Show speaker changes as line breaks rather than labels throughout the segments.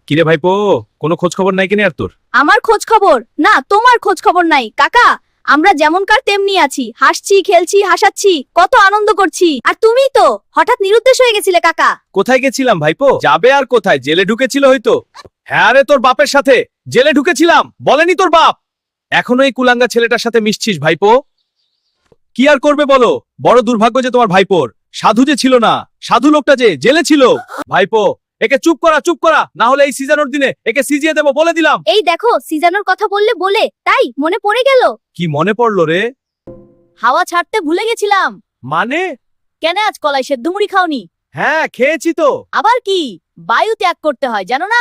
কিরে ভাইপো, কোনো খোঁজ খবর নাই কিনে আর তোর?
আমার খোঁজ খবর না, তোমার খোঁজ খবর নাই কাকা। আমরা যেমনকার তেমনি আছি, হাসছি খেলছি হাসাচ্ছি, কত আনন্দ করছি। আর তুমি তো হঠাৎ নিরুদ্দেশ হয়ে গেছিলে কাকা।
কোথায় গেছিলাম ভাইপো? যাবে আর কোথায়, জেলে ঢুকেছিল হয়তো। হ্যাঁ রে, তোর বাপের সাথে জেলে ঢুকেছিলাম, বলেনি তোর বাপ? এখনো এই কুলাঙ্গা ছেলেটার সাথে মিশছিস ভাইপো? কি আর করবে বলো, বড় দুর্ভাগ্য যে তোমার ভাইপোর। সাধু যে ছিল না, সাধু লোকটা যে জেলে ছিল। ভাইপো, একে চুপ করা, না হলে এই সিজনের দিনে একে সিজিয়ে দেবো বলে দিলাম।
এই দেখো, সিজানোর কথা বলে তাই মনে পড়ে গেল।
কি মনে পড়লো রে?
হাওয়া ছাড়তে ভুলে গেছিলাম।
মানে?
কেন আজ কলাই সেদ্ধ মুড়ি খাওনি?
হ্যাঁ খেয়েছি তো।
আবার কি বায়ু ত্যাগ করতে হয় জানো না?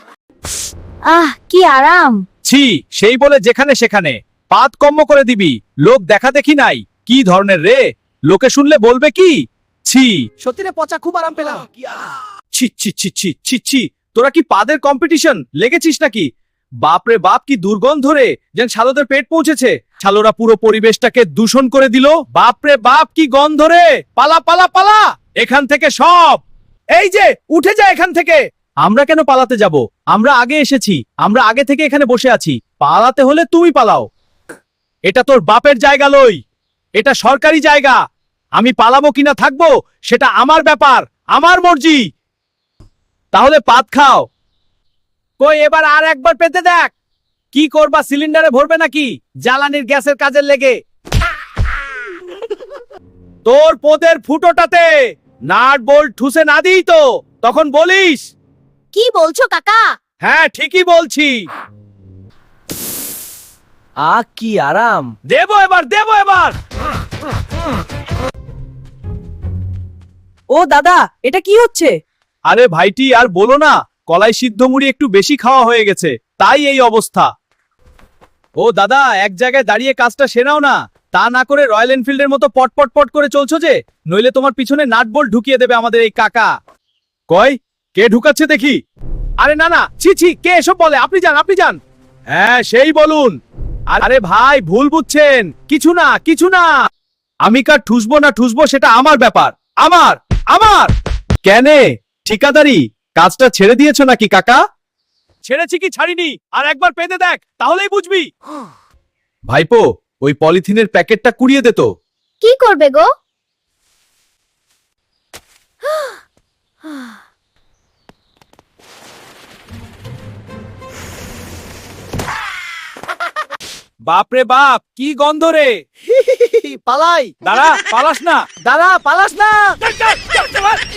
কি আরাম।
ছি, সেই বলে যেখানে সেখানে পাত কম্ম করে দিবি। লোক দেখা দেখি নাই, কি ধরনের রে? লোকে শুনলে বলবে কি? ছি,
সত্যি রে পচা, খুব আরাম পেলাম।
ছি ছি ছি ছি ছি ছি। তোরা কি পাদের কম্পিটিশন লেগেছিস নাকি? বাপরে বাপ, কি দুর্গন্ধ রে, যেন শালোদের পেট পৌঁছেছে। শালোরা পুরো পরিবেশটাকে দূষণ করে দিল। বাপরে বাপ, কি গন্ধ রে। পালা পালা পালা এখান থেকে সব। এই যে উঠে যা এখান থেকে। আমরা কেন পালাতে যাব? আমরা আগে এসেছি, আমরা আগে থেকে এখানে বসে আছি। পালাতে হলে তুমি পালাও। এটা তোর বাপের জায়গা লই, এটা সরকারি জায়গা। আমি পালাবো কিনা থাকবো সেটা আমার ব্যাপার, আমার মর্জি। তাহলে পাত খাও। কই এবার আর একবার পেতে দেখ। কি করবা, সিলিন্ডারে ভরবে নাকি জ্বালানির গ্যাসের কাজের লেগে? তোর পোদের ফুটোটাতে নাট বোল্ট ঠুসে না দিই তো তখন বলিস।
কি বলছো কাকা?
হ্যাঁ ঠিকই বলছি।
কি আরাম।
দেবো এবার।
ও দাদা, এটা কি হচ্ছে?
আরে ভাইটি আর বলো না, কলাই সিদ্ধ মুড়ি একটু বেশি খাওয়া হয়ে গেছে, তাই এই অবস্থা। ও দাদা, এক জায়গায় দাঁড়িয়ে কাজটা সেরাও না। তা না করে রয়্যাল এনফিল্ডের মতো পট করে চলছো যে, নইলে তোমার পিছনে নাট বোল্ট ঢুকিয়ে দেবে আমাদের এই কাকা। কই, কে ঢুকাচ্ছে দেখি? আরে না ছি ছি, কে এসব বলে? আপনি যান। হ্যাঁ সেই বলুন। আরে ভাই, ভুল বুঝছেন, কিছু না। আমি কার ঠুসবো না ঠুসবো সেটা আমার ব্যাপার। আমার কেনে ঠিকাদারি কাজটা ছেড়ে দিয়েছো নাকি কাকা? ছেড়েছি কি ছাড়িনি আর একবার পেতে দেখ, তাহলেই বুঝবি। ভাইপো, ওই পলিথিনের প্যাকেটটা কুড়িয়ে দে তো।
কি করবে গো?
বাপরে বাপ, কি গন্ধ রে।
পালাই।
দাঁড়া, পালাস না।
দাদা পালাস না।